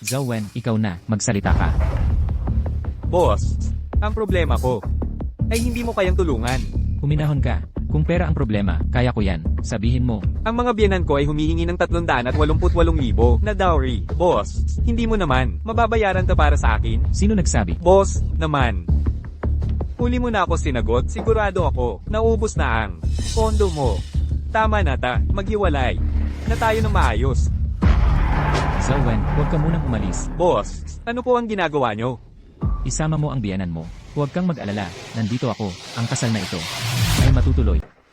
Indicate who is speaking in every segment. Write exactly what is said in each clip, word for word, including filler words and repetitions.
Speaker 1: Zhao Wen, ikaw na, magsalita ka.
Speaker 2: Boss, ang problema ko ay hindi mo kayang tulungan.
Speaker 1: Huminahon ka. Kung pera ang problema, kaya ko yan. Sabihin mo.
Speaker 2: Ang mga biyenan ko ay humihingi ng tatlong daan at walumput walong libo na dowry. Boss, hindi mo naman. Mababayaran ta para sa akin?
Speaker 1: Sino nagsabi?
Speaker 2: Boss, naman. Huli mo na ako sinagot, sigurado ako, naubos na ang pondo mo. Tama na ta, maghiwalay. Na tayo ng maayos.
Speaker 1: Zhao Wen, huwag ka munang umalis.
Speaker 2: Boss, ano po ang ginagawa nyo?
Speaker 1: Isama mo ang biyanan mo. Huwag kang mag-alala. Nandito ako. Ang kasal na ito ay matutuloy.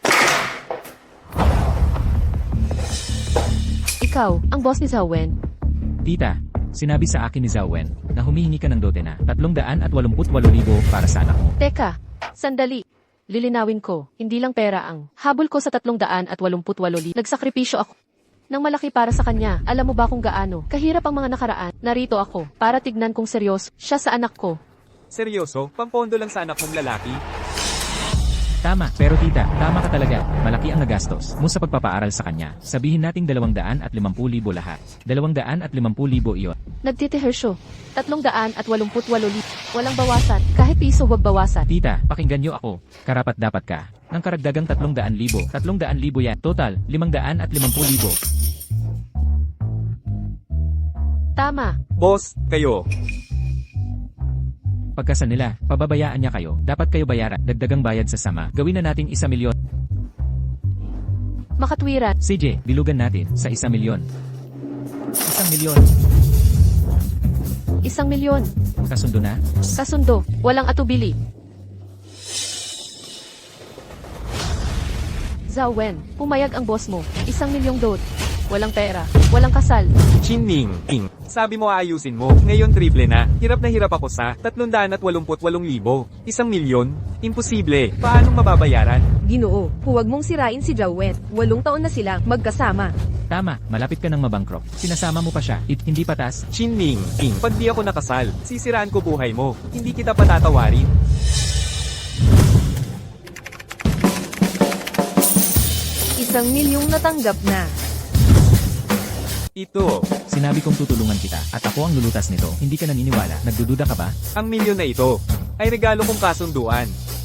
Speaker 3: Ikaw, ang boss ni Zhao Wen.
Speaker 1: Tita, sinabi sa akin ni Zhao Wen na humihingi ka ng dote na tatlong daan at walumput walo libo para sa anak mo.
Speaker 3: Teka, sandali. Lilinawin ko, hindi lang pera ang habol ko sa tatlong daan at walumput walo libo. Nagsakripisyo ako nang malaki para sa kanya. Alam mo ba kung gaano kahirap ang mga nakaraan? Narito ako para tignan kung seryoso siya sa anak ko.
Speaker 2: Seryoso, pampondo lang sa anak mong lalaki?
Speaker 1: Tama, pero tita, tama ka talaga. Malaki ang nagastos mo sa pagpapaaral sa kanya. Sabihin nating dalawang daan at limampung libo lahat. Dalawang daan at limampung libo iyon.
Speaker 3: Nagtitihersyo. Tatlong daan at walumput walo libo. Walang bawasan. Kahit piso wag bawasan.
Speaker 1: Tita, pakinggan niyo ako. Karapat dapat ka ng karagdagang tatlong daan libo. Tatlong daan libo yan. Total, limang daan at limampung libo.
Speaker 3: Tama.
Speaker 2: Boss, kayo.
Speaker 1: Pagkasal nila, pababayaan niya kayo. Dapat kayo bayaran. Dagdagang bayad sa sama. Gawin na nating isa milyon.
Speaker 3: Makatwiran.
Speaker 1: C J, bilugan natin sa isa milyon. Isang milyon.
Speaker 3: Isang milyon.
Speaker 1: Kasundo na?
Speaker 3: Kasundo. Walang atubili. Zhao Wen, pumayag ang boss mo. Isang milyong dot. Walang pera. Walang kasal.
Speaker 2: Chining, ing. Sabi mo aayusin mo, ngayon triple na. Hirap na hirap ako sa tatlong daan at walumput walong libo. Isang milyon? Imposible. Paano mababayaran?
Speaker 4: Ginoo, huwag mong sirain si Zhao Wen. Walong taon na silang magkasama.
Speaker 1: Tama, malapit ka ng mabankrupt. Sinasama mo pa siya. It, hindi patas.
Speaker 2: Chining, ing. Pag di ako nakasal, sisiraan ko buhay mo. Hindi kita patatawarin.
Speaker 4: Isang milyong natanggap na.
Speaker 2: Ito,
Speaker 1: Sinabi kong tutulungan kita at ako ang lulutas nito. Hindi ka naniniwala. Nagdududa ka ba?
Speaker 2: ang milyon na ito, ay regalo kong kasunduan.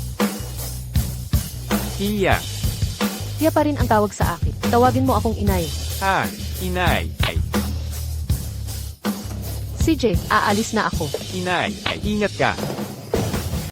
Speaker 2: Iya,
Speaker 3: Tiya pa rin ang tawag sa akin. Tawagin mo akong inay.
Speaker 2: ha, inay, ay,
Speaker 3: C J, aalis na ako.
Speaker 2: inay, ay, ingat ka.